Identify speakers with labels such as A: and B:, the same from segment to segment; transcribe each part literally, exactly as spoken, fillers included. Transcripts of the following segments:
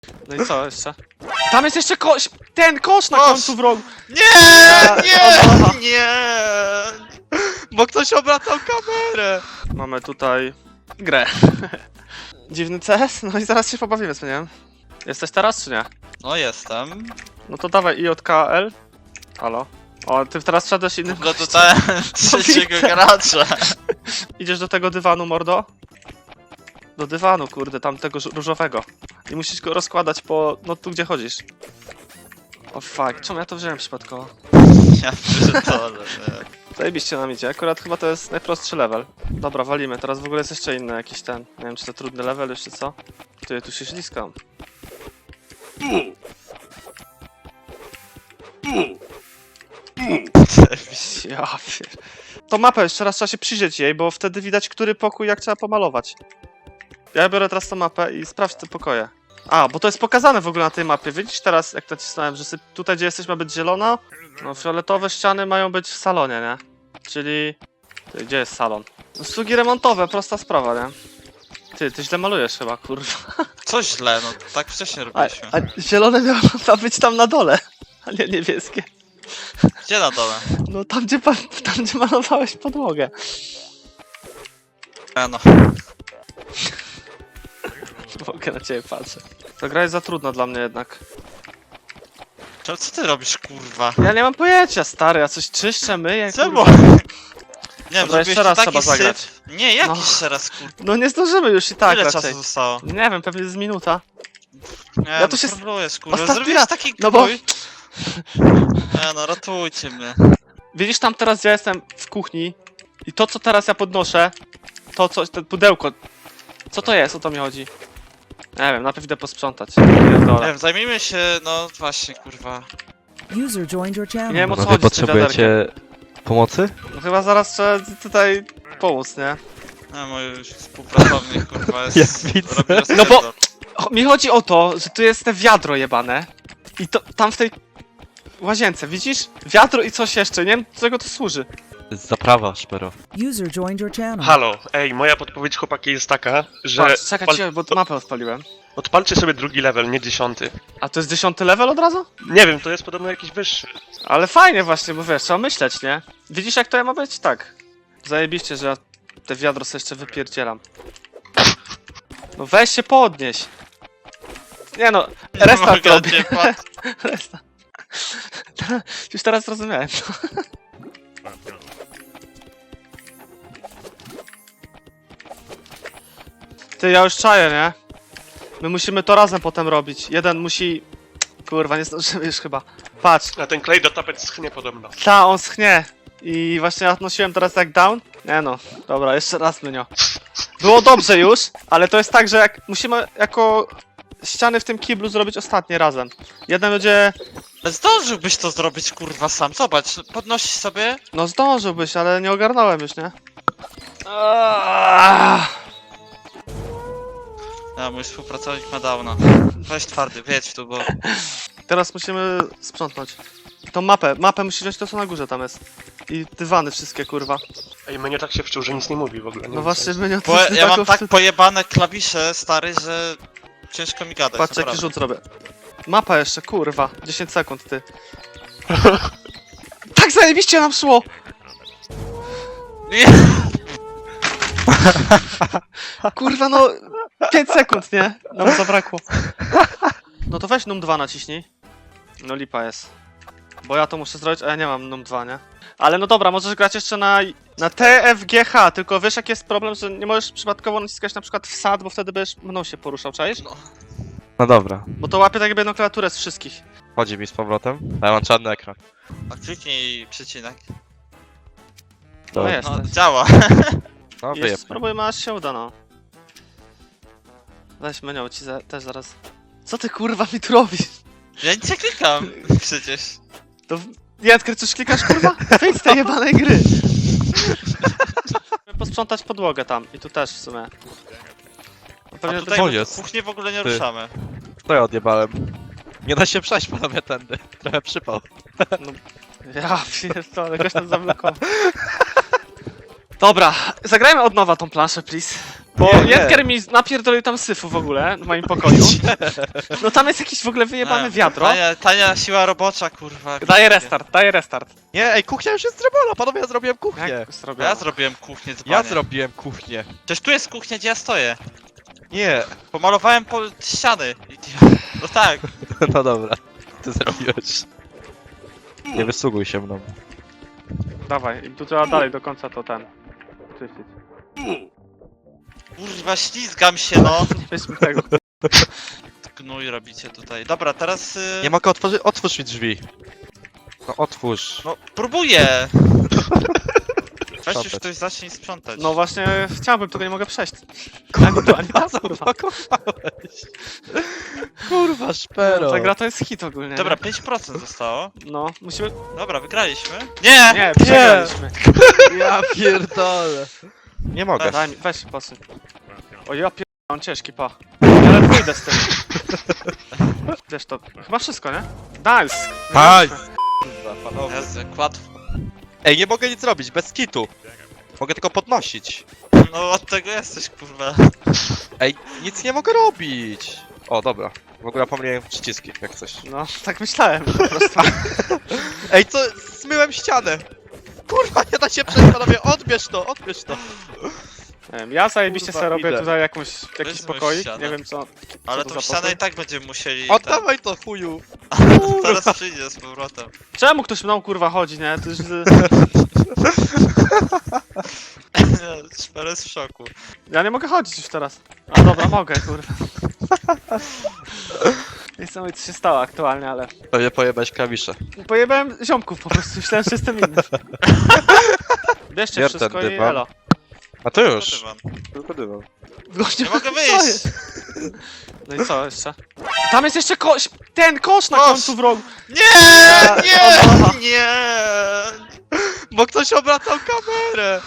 A: No i co jeszcze? Tam jest jeszcze kosz! Ten kosz na
B: Kosz!
A: końcu w rogu!
B: Nie, nie, nie! Bo ktoś obracał kamerę!
A: Mamy tutaj grę. Dziwny C S? No i zaraz się pobawimy, co nie? Jesteś teraz, czy nie?
B: No jestem.
A: No to dawaj I J K L. Halo? O, ty teraz wszedłeś innym
B: No to
A: gościem.
B: ten trzeciego
A: widzę.
B: gracza.
A: Idziesz do tego dywanu, mordo? Do dywanu, kurde, tamtego żu- różowego. I musisz go rozkładać po... no tu gdzie chodzisz. O fuck, czemu ja to wziąłem przypadkowo?
B: Ja pierdolę, nie.
A: Zajebiście nam idzie, akurat chyba to jest najprostszy level. Dobra, walimy, teraz w ogóle jest jeszcze inny jakiś ten... nie wiem, czy to trudny level już, czy co? Ty, ja tu się śliskam. Ja pier... To mapę, jeszcze raz trzeba się przyjrzeć jej, bo wtedy widać, który pokój jak trzeba pomalować. Ja biorę teraz tą mapę i sprawdź te pokoje. A, bo to jest pokazane w ogóle na tej mapie. Widzisz teraz, jak nacisnąłem, że syp- tutaj, gdzie jesteś, ma być zielono? No, fioletowe ściany mają być w salonie, nie? Czyli... Ty, gdzie jest salon? Usługi remontowe, prosta sprawa, nie? Ty, ty źle malujesz chyba, kurwa.
B: Co źle, no tak wcześniej
A: A,
B: robiliśmy.
A: a zielone miało ma być tam na dole, a nie niebieskie.
B: Gdzie na dole?
A: No tam, gdzie, pa- tam, gdzie malowałeś podłogę.
B: E, no.
A: Mogę na ciebie patrzę. Ta gra jest za trudna dla mnie jednak.
B: Co, co ty robisz, kurwa?
A: Ja nie mam pojęcia, stary, ja coś czyszczę, myję,
B: Czemu?
A: kurwa.
B: Nie wiem,
A: Dobra, jeszcze
B: zrobiłeś
A: raz
B: taki
A: trzeba zagrać.
B: syf. Nie, jak
A: No.
B: jeszcze raz, kurwa?
A: No nie zdążymy już i tak
B: Ile
A: raczej.
B: czasu zostało?
A: Nie wiem, pewnie z minuta.
B: Nie,
A: Ja
B: no
A: tu się-
B: próbujesz, kurwa.
A: Ostatni
B: Zrobiłeś
A: raz.
B: taki
A: No bo-
B: krój. Nie no, ratujcie mnie.
A: Widzisz tam teraz, gdzie ja jestem w kuchni i to, co teraz ja podnoszę, to coś, to pudełko. Co to jest, o to mi chodzi? Nie wiem, najpierw idę posprzątać.
B: Nie
A: Pierdolę.
B: wiem, zajmijmy się, no właśnie, kurwa.
C: User joined your channel.
A: Nie wiem, o co
D: Panowie,
A: chodzi z tym wiaderkiem.
D: potrzebujecie pomocy?
A: No chyba zaraz trzeba tutaj pomóc, nie?
B: No, mój współpracownik, kurwa, jest...
D: Jak widzę.
B: robi
A: No bo-
B: rozpierdol.
A: Cho- Mi chodzi o to, że tu jest te wiadro jebane i to tam w tej łazience, widzisz? Wiadro i coś jeszcze, nie wiem do czego to służy.
D: Zaprawa, szpero.
C: User joined your channel.
E: Halo, ej, moja podpowiedź chłopaki jest taka, że
A: Patrz, czekaj,
E: odpal-
A: cię, bo mapę odpaliłem.
E: odpalcie sobie drugi level, nie dziesiąty.
A: A to jest dziesiąty level od razu?
E: Nie wiem, to jest podobno jakiś wyższy.
A: Ale fajnie właśnie, bo wiesz, trzeba myśleć, nie? Widzisz jak to ja ma być? Tak. Zajebiście, że ja te wiadro sobie jeszcze wypierdzielam. No weź się podnieś. Nie no,
B: Nie
A: restart
B: mogę,
A: robię.
B: nie patrz.
A: Restart. Już teraz zrozumiałem. Ty, ja już czaję, nie? My musimy to razem potem robić. Jeden musi... Kurwa, nie zdążymy już chyba. Patrz,
E: A ten klej do tapet schnie podobno.
A: ta, on schnie. I właśnie ja nosiłem teraz jak down. Nie no, dobra, jeszcze raz menio. Było dobrze już, ale to jest tak, że jak musimy jako ściany w tym kiblu zrobić ostatnie razem. Jeden będzie...
B: Ale zdążyłbyś to zrobić, kurwa, sam. Zobacz, podnosisz sobie.
A: No zdążyłbyś, ale nie ogarnąłem już, nie? Aaaa!
B: A, mój współpracownik ma downa. Weź twardy, wiedź tu, bo...
A: Teraz musimy sprzątnąć. Tą mapę, mapę musisz wziąć to co na górze tam jest. I dywany wszystkie, kurwa.
E: Ej, mnie tak się wczuł, że nic nie mówi w ogóle. Nie
A: No
E: wiem,
A: właśnie,
E: co jest.
A: menio to
B: Bo
A: jest
B: ja mam
A: taką
B: tak
A: wstyd-
B: pojebane klawisze, stary, że... Ciężko mi gadać,
A: Patrz jaki
B: naprawdę.
A: rzut zrobię. Mapa jeszcze, kurwa. dziesięć sekund, ty. Tak zajebiście nam szło!
B: Nie.
A: Kurwa, no... pięć sekund, nie? Nam zabrakło. No to weź num dwa naciśnij. No lipa jest. Bo ja to muszę zrobić, a ja nie mam num dwa, nie? Ale no dobra, możesz grać jeszcze na... na T F G H, tylko wiesz jaki jest problem, że nie możesz przypadkowo naciskać na przykład wsad, bo wtedy będziesz mną się poruszał, czaisz?
D: No dobra,
A: Bo to łapie tak jakby jedną klawiaturę z wszystkich.
D: chodzi mi z powrotem. A ja mam czarny ekran.
B: A kliknij przecinek.
A: No
D: Dobra.
A: jest.
B: No, działa.
D: No
A: Jeszcze
D: wyjeb.
A: spróbujmy aż się uda, no. Weź menio, ci za, też zaraz... Co ty kurwa mi tu robisz?
B: Ja nic nie klikam, przecież.
A: To... Jędker, coś klikasz kurwa? Wyjdź z tej jebanej gry! Posprzątać podłogę tam i tu też w sumie. No
B: A
A: pewnie
B: tutaj
D: to
B: my
D: jest.
B: kuchnię w ogóle nie
D: Ty.
B: ruszamy.
D: To ja odjebałem. Nie da się przejść panowie tędy. Trochę przypał.
A: No, ja pierdolę, goś tam zablokował. Dobra, zagrajmy od nowa tą planszę, please. Bo
D: Nie, nie.
A: Jedger mi napierdolił tam syfu w ogóle w moim pokoju. No tam jest jakieś w ogóle wyjebane
B: Nie,
A: wiadro.
B: Tania, tania siła robocza, kurwa.
A: Daję restart, daję restart.
D: Nie, ej, kuchnia już jest zrobiona, panowie, ja zrobiłem kuchnię.
A: Jak zrobiłem?
B: Ja zrobiłem kuchnię z
D: Ja zrobiłem kuchnię.
B: Przecież tu jest kuchnia, gdzie ja stoję.
D: Nie,
B: Pomalowałem po ściany. I- No tak.
D: no dobra, ty zrobiłeś. Nie wysługuj się mną.
A: Dawaj, i tu trzeba dalej do końca to ten. Czyścić.
B: Kurwa, ślizgam się, no.
A: Nie weźmy tego.
B: Gnój robicie tutaj. Dobra, teraz... y,
D: Nie mogę otworzyć, otwórz mi drzwi. No otwórz.
B: No, próbuję. Weź już
D: Sprzątać.
B: ktoś zacznij sprzątać.
A: No właśnie chciałbym, tylko nie mogę przejść. Ani tu, ani tam, kurwa.
D: Zapakowałeś. Kurwa, szpero.
A: Ta gra to jest hit ogólnie.
B: Dobra,
A: nie?
B: pięć procent zostało.
A: No, musimy...
B: Dobra, wygraliśmy. Nie!
A: Nie, przegraliśmy.
D: Ja pierdolę. Nie mogę.
A: Daj mi, weź posyp. O ja pier... on ciężki, pa. Ja ale pójdę z tym. Wiesz to, chyba wszystko, nie? Nice!
D: Nice! Kurwa, panowie.
B: Jezu, jak łatwo.
D: Ej, nie mogę nic robić, bez kitu. Mogę tylko podnosić.
B: No od tego jesteś, kurwa.
D: Ej, nic nie mogę robić. O, dobra. W ogóle pomyliłem przyciski, jak coś.
A: No, tak myślałem po prostu.
D: Ej, co? Zmyłem ścianę. Kurwa, nie da się przejść, panowie, odbierz to, odbierz to.
A: Nie wiem, ja zajebiście
D: Kurwa,
A: sobie robię
D: idę.
A: tutaj jakąś, jakiś
B: Weźmy
A: pokoik,
B: ścianę.
A: nie wiem co.
B: Ale
A: to
B: tą
A: za
B: ścianę
A: pokój?
B: i tak będziemy musieli...
D: Oddawaj to, chuju.
B: ten- Zaraz przyjdzie z powrotem.
A: Czemu ktoś mną kurwa chodzi, nie? To już... z-
B: Szper jest w szoku.
A: Ja nie mogę chodzić już teraz. A dobra, mogę, kurwa. Nie chcę mówić co się stało aktualnie, ale...
D: Pewnie pojebać klawisze.
A: Pojebałem ziomków po prostu, myślałem, że jestem inny. Bierzcie
D: Bier ten
A: wszystko i
D: dywan.
A: elo.
D: A to już.
B: Dywan.
D: Tylko dywan.
A: Gościu,
B: Nie mogę
A: co
B: wyjść!
A: jest? No i co jeszcze? Tam jest jeszcze kosz! Ten kosz na
B: Kosz!
A: końcu w rogu!
B: Nie!
A: Obawa.
B: Nie! Nie!
D: Bo ktoś obracał kamerę.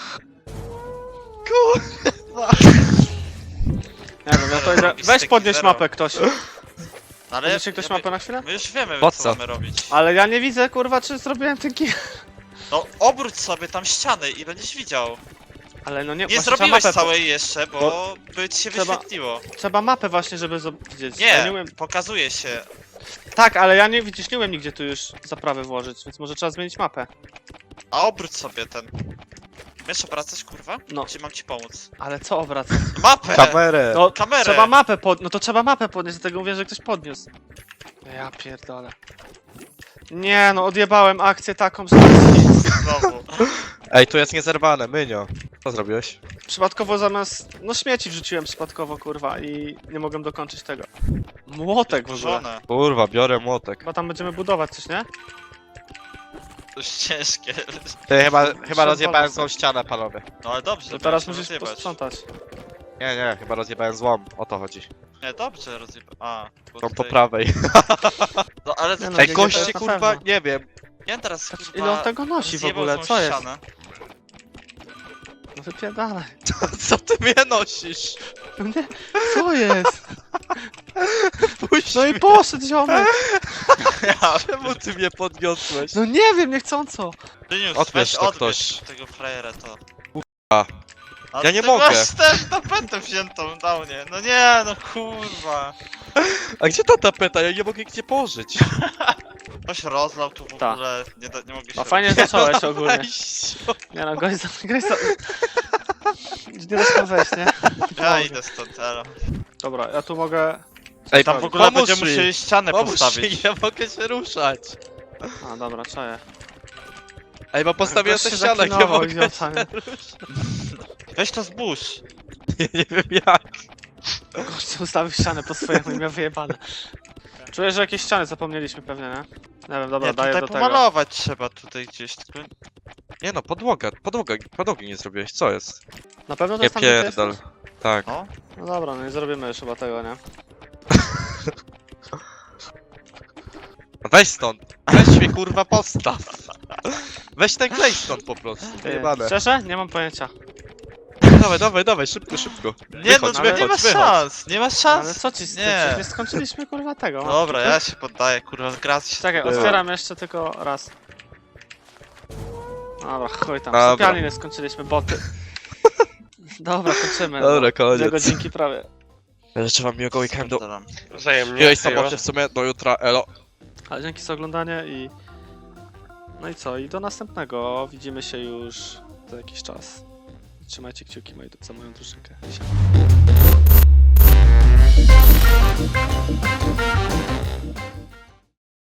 D: Kurwa.
A: Nie wiem, ja to idę...
B: Robisz
A: Weź
B: taki
A: podnieś
B: zero.
A: mapę ktoś.
B: Ale
A: Podniesie ktoś
B: ja-
A: mapę na chwilę?
B: My już wiemy,
D: Po
B: co,
D: co?
B: mamy robić.
A: Ale ja nie widzę, kurwa, czy zrobiłem ten kij.
B: No obróć sobie tam ściany i będziesz widział.
A: Ale no nie,
B: Nie
A: właśnie trzeba
B: zrobiłeś
A: mapę,
B: całej jeszcze, bo,
A: Bo
B: by ci się
A: trzeba-
B: wyświetliło.
A: Trzeba mapę właśnie, żeby zob- widzieć.
B: Nie,
A: Ja nie umiem...
B: pokazuje się.
A: Tak, ale ja nie widzisz, nie umiem nigdzie tu już zaprawy włożyć, więc może trzeba zmienić mapę.
B: A obróć sobie ten. Wiesz obracać, kurwa?
A: No.
B: Czy mam ci pomóc?
A: Ale co obracać?
B: Mapę!
D: Kamerę.
A: No,
B: kamerę.
A: trzeba mapę pod... No to trzeba mapę podnieść, dlatego mówię, że ktoś podniósł. Ja pierdolę. Nie, no odjebałem akcję taką, że...
B: Znowu.
D: Ej, tu jest niezerwane, Mynio. Co zrobiłeś?
A: Przypadkowo zamiast... No śmieci wrzuciłem przypadkowo, kurwa, i nie mogłem dokończyć tego. Młotek w ogóle.
B: Żonę.
D: Kurwa, biorę młotek.
A: Chyba tam będziemy budować coś, nie?
B: To już ciężkie.
D: Ty, chyba, chyba
A: Trzeba
D: rozjebałem
A: wolno
D: złą ścianę, panowie.
B: No ale dobrze,
A: To teraz
B: będziesz
A: musisz
B: rozjebać.
A: posprzątać.
D: Nie, nie, chyba rozjebałem złą. O to chodzi.
B: Nie, dobrze rozjeba... A, bo
D: Tą po
B: tutaj-
D: prawej.
B: No ale
A: Nie no,
D: Ej,
A: nie,
D: goście,
A: to jest na
D: kurwa,
A: pewno.
D: nie wiem.
B: ja teraz kurwa...
A: Ile on tego nosi w
B: zjebał
A: ogóle,
B: złą
A: co jest?
B: ścianę.
A: No wypierdalaj.
D: Co ty mnie nosisz?
A: No nie, co jest?
D: Puść
A: No i
D: mnie.
A: poszedł ziomek.
B: Ja,
D: Czemu ty mnie podniosłeś?
A: No nie wiem, niechcąco.
B: Dynius,
D: Odbierz
B: weź
D: to
B: odbierz
D: ktoś.
B: tego frajera to.
D: A.
B: A
D: Ja nie
B: ty
D: mogę.
B: masz też tapetę wziętą na mnie. No nie, no kurwa.
D: A gdzie ta tapeta? Ja nie mogę gdzie położyć.
B: Ktoś rozlał tu w
A: Ta.
B: ogóle. Nie, da, nie mogę się...
A: No fajnie zacząłeś ogólnie.
D: Weź.
A: Nie no, gość za... gość za... Nie da się tam wejść, nie?
B: Ja idę stąd, elo.
A: Dobra, ja tu mogę...
D: Ej,
B: Tam w ogóle
D: pomóż
B: będziemy
D: mi.
B: musieli ścianę
D: Pomóż
B: postawić.
D: mi, nie mogę się ruszać.
A: A dobra, czaję.
D: Ej, bo postawiłem
A: Gość
D: tę
A: się
D: ścianę, nie
A: zaklinował,
D: mogę
A: idiota,
D: się
A: nie?
D: ruszać.
B: Weź to zbóż.
D: Nie, nie wiem jak.
A: Gość ustawił ścianę po swojemu i miał wyjebane. Czuję, że jakieś ściany zapomnieliśmy pewnie, nie? Nie wiem, dobra,
B: Nie,
A: daję
B: tutaj
A: do tego.
B: pomalować trzeba tutaj gdzieś, tylko...
D: Nie no, podłoga, podłoga, podłogi nie zrobiłeś, co jest?
A: Na pewno to
D: Nie
A: jest tam, gdzie ty
D: pierdol.
A: jesteś?
D: Tak.
B: No.
A: No dobra, no nie zrobimy już chyba tego, nie?
D: Weź stąd. Weź mnie kurwa postaw. Weź ten klej stąd po prostu.
A: Ty,
D: Wyjebane.
A: szczerze? Nie mam pojęcia.
D: Dawaj, dawaj, dawaj, szybko, szybko.
B: Nie
D: Wychodź,
B: no,
A: ale-
B: nie ma
D: wychodź, wychodź.
B: szans, nie ma szans.
A: Ale co ci z tym?
B: Nie.
A: Przecież nie skończyliśmy kurwa tego.
B: Dobra, ja się poddaję, kurwa, gra się...
A: Czekaj,
D: Dobra.
A: otwieram jeszcze tylko raz. Dobra, chuj tam.
D: Dobra.
A: Sypialni nie skończyliśmy, boty. Dobra, kończymy.
D: Dobra,
A: no.
D: koniec.
A: Dwie godzinki prawie.
D: Ja życzę wam miłego weekendu.
B: Spierdalam.
E: Wzajemnie.
D: Miłej
E: hejo.
D: sobocie w sumie, do jutra, elo.
A: Ale dzięki za oglądanie i... No i co? I do następnego. Widzimy się już za jakiś czas. Trzymajcie kciuki moi, za moją drużynkę. Siema.